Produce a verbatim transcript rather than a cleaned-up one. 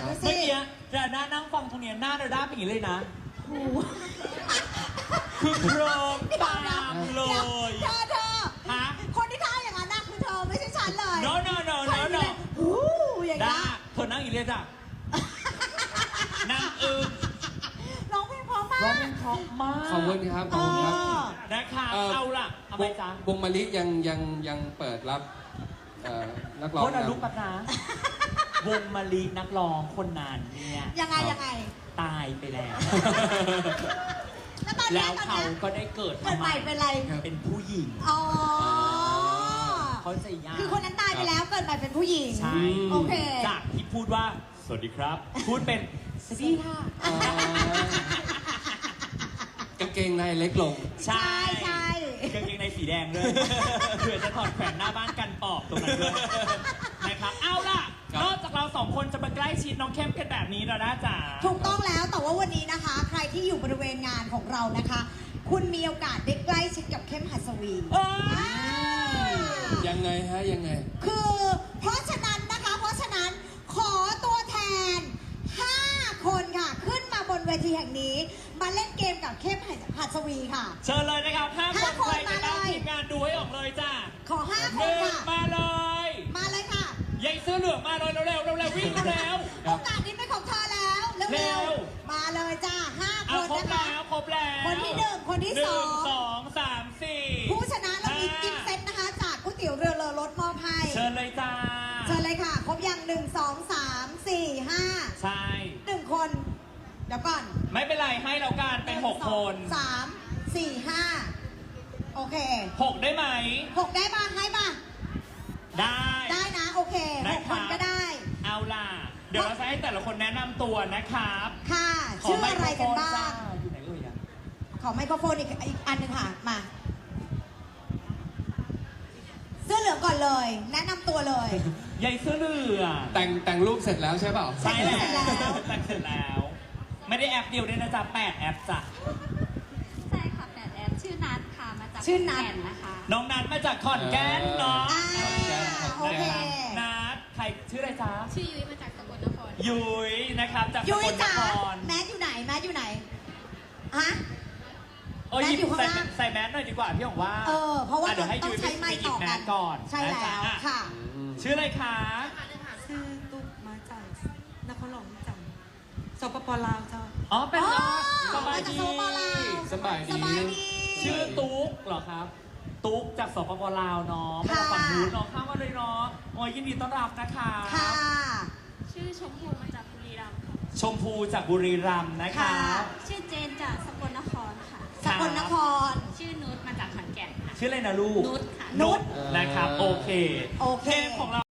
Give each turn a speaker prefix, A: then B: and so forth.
A: ดู
B: เมื่
A: สิ
B: อกี้เราหน้านั่งฟังตรงเนี้ยหน้าเราด้าเป็นอย่างนี้เลยนะ
A: โอ้
B: คือโครงตามเล
A: เดี๋ยวย เธอเธอ
B: ฮะ
A: คนที่ท่าอย่างนั้นน่ะคือเธอไม่ใช่ฉันเลย
B: no no no
A: ค
B: no
A: น
B: no
A: ที่เลยโอ้อย่าง
B: ด้า
A: นี้
B: เธอนั่งอย่างนี้เลยจ้ะนั่งอึ้ง
A: ร้องเพลงเพราะมา
B: ร้อง
A: ก
B: เพลงเพราะมาก
C: ขอบคุณครับขอบคุณครับ
A: เออ
B: นะคะ
C: เอ่อ
B: เอาล่ะทำไมจ๊ะ
C: วงมะลิยังยังยังเปิดรับเอ่อนักร้อง
B: โทษนะ
C: นำ
B: ลูกปัดนะ วงมาลีนักร้องคนนั้นเนี่ย
A: ยังไงยังไง
B: ตายไปแล้ว
A: แล้วตอน
B: แล้
A: นี้
B: ว
A: ตอน
B: เขา
A: นี้
B: ก็ได้เกิด
A: เกิดใหม่เป็นอะไร
B: เป็นผู้หญิง
A: อ๋อ
B: เขาใจยาก
A: คือคนนั้นตายไปแล้วเกิดใหม่เป็นผู้หญิง
B: ใช่
A: โอเค
B: จากที่พูดว่า สวัสดีครับ พูดเป็นสวัสดีค่ะ
C: อ๋อกางเกงในเล็กลง
B: ใช่
A: ใช่
B: กางเกงในสีแดงด้วย เผื่อจะถอดแขวนหน้าบ้านกันปอบตรงนั้นด้วยนะครับเอาล่ะ
C: ครับ
B: นอกจากเราสองคนจะมาใกล้ชิดน้องเข้มกันแบบนี้แล้วนะจ๋า
A: ถูกต้องแล้วแต่ว่าวันนี้นะคะ ใครที่อยู่บริเวณงานของเรานะคะ คุณมีโอกาสได้ใกล้ชิดกับเข้มหัสวี
B: เอ้ย
C: ยังไงฮะยังไง
A: คือเพราะฉะนั้นนะคะ เพราะฉะนั้นขอตัวแทน ห้า คนค่ะ ขึ้นมาบนเวทีแห่งนี้ มาเล่นเกมกับเข้มหัสวีค่ะ
B: เชิญเลยนะครับห้าค
A: ห้าน คน
B: ใครจะตั้ง
A: มาเลย
B: ทีมงานดูให้ออกเลยจ้า
A: ขอ ห้า
B: ห
A: คน
B: นึ่ง
A: ค่ะ
B: มาเลย
A: มาเลยค่ะ
B: ยายเสื้อเหลืองมาเลยเร็วๆเร็วๆวิ่งเร็ว
C: ครั
A: โอบ กาสนี้เป็นของเธอแล้ว
B: เร็
A: เร็ว
B: ว
A: ๆมาเลยจ้าห้า
B: ๆ
A: ค
B: เอา
A: น
B: ครบ
A: นะคะ
B: แล้วครบแล้ว
A: คนที่หนึ่งคนที่
B: หนึ่
A: สอง
B: สองสามสี่
A: ผู้ชนะเรามีกิฟต์เซ็ตนะคะ จากก๋วยเตี๋ยวเรือเลอรถมอบให้
B: เชิญเลยจ้า
A: เชิญเลยค่ะ ครบยังหนึ่งสองสามสี่ห้า
B: ใช่
A: หนึ่งคน เดี๋ยวก่อน
B: ไม่เป็นไรให้เราการเป็นหกคน
A: สามสี่ห้าโอเค
B: หกได้ไหม
A: หกได้ป่ะให้ป่ะ
B: ได้
A: ได้นะ โอเคห
B: ได้
A: ก
B: ค
A: ครับ นก็ได้
B: เอาล่ะ เดี๋ยวเราจะให้แต่ละคนแนะนำตัวนะครับ
A: ค่ะ
B: ข
A: ชื่อ
B: ไม
A: อะไร
B: โค
A: กัน
B: โฟ
A: บ้าง
B: จ้อยู่ไหนเอ่ยอะ
A: ขอไมโครโฟนอีกอีกอันหนึ่งค่ะ มา เสื้อเหลืองก่อนเลย แนะนำตัวเลย
B: ยายเสื้อเหลือง
C: แต่งแต่งรูปเสร็จแล้วใช่เปล่า
B: ใช่แล้ว
A: แต่งเสร็จแล้ว
B: แต่งเสร็จแล้ว ไม่ได้แอปเดียวด้วยนะจ๊ะแปดแอปจ้ะ
D: ใช่ค่ะแปดแอปชื่อนัทค่ะ มาจาก
A: ชื่อนัท
D: ขแก่นะคะ
B: น้องนัทมาจากขอนแก่นเนาะ
A: อ่าโอเค
B: นัทใครชื่ออะไรจ๊ะ
D: ชื่อยุ้ยมาจากสกลนคร
B: ยุ้ยนะครับจากส
A: ยุ้ย
B: กลน
A: จ๋า
B: คร
A: แมสอยู่ไหน แมสอยู่ไหน ฮะ
B: เออหยิบ
A: แมสอยู่ข้าง
B: ใส่
A: ล่าง
B: ใส่แมสหน่อยดีกว่าพี่บอกว่า
A: เออ เพราะว่า
B: อ่เดี๋ยวให้
A: ต้อ
B: ยุ้
A: ง
B: ย
A: ใช้ไม้
B: ไปหยิ
A: ต่
B: บ
A: อ
B: แม
A: กั
B: ส
A: น
B: ก่อน
A: ใช่
B: นะ
A: แล้
B: จ๊ะ
A: ว
B: อ่ะ
A: ค่ะ
B: ชื่ออะไรคะ
E: ชื่อตุ๊กมาจากนครหลวงจังสปปลาวเจ้า
B: อ๋อเป็น
A: อ๋อ
B: สบาย
A: มาจาก
B: ดี
A: สปปลาว
C: สบายดี
A: สบายดี
B: ชื่อตุ๊กเหรอครับ ตุ๊กจากสปปลาวเนาะมาจากฝั่งนู้นเนาะข้ามมาเลยเนาะโอ้ยยินดีต้อนรับนะคะ
A: ค่ะ
D: ชื่อชมพูมาจากบุรีรัมย์ค่ะ
B: ชมพูจากบุรีรัมย์นะคะ
A: ค่ะ
D: ชื่อเจนจากสกลนครค่ะ
A: สกลนคร
D: ชื่อนุชมาจากขอนแก่นค่ะ
B: ชื่ออะไรนะลูก
D: นุชค่ะ
B: นุช
C: เออ
B: นะครับ โอเค
A: โอเค
B: กมของเรา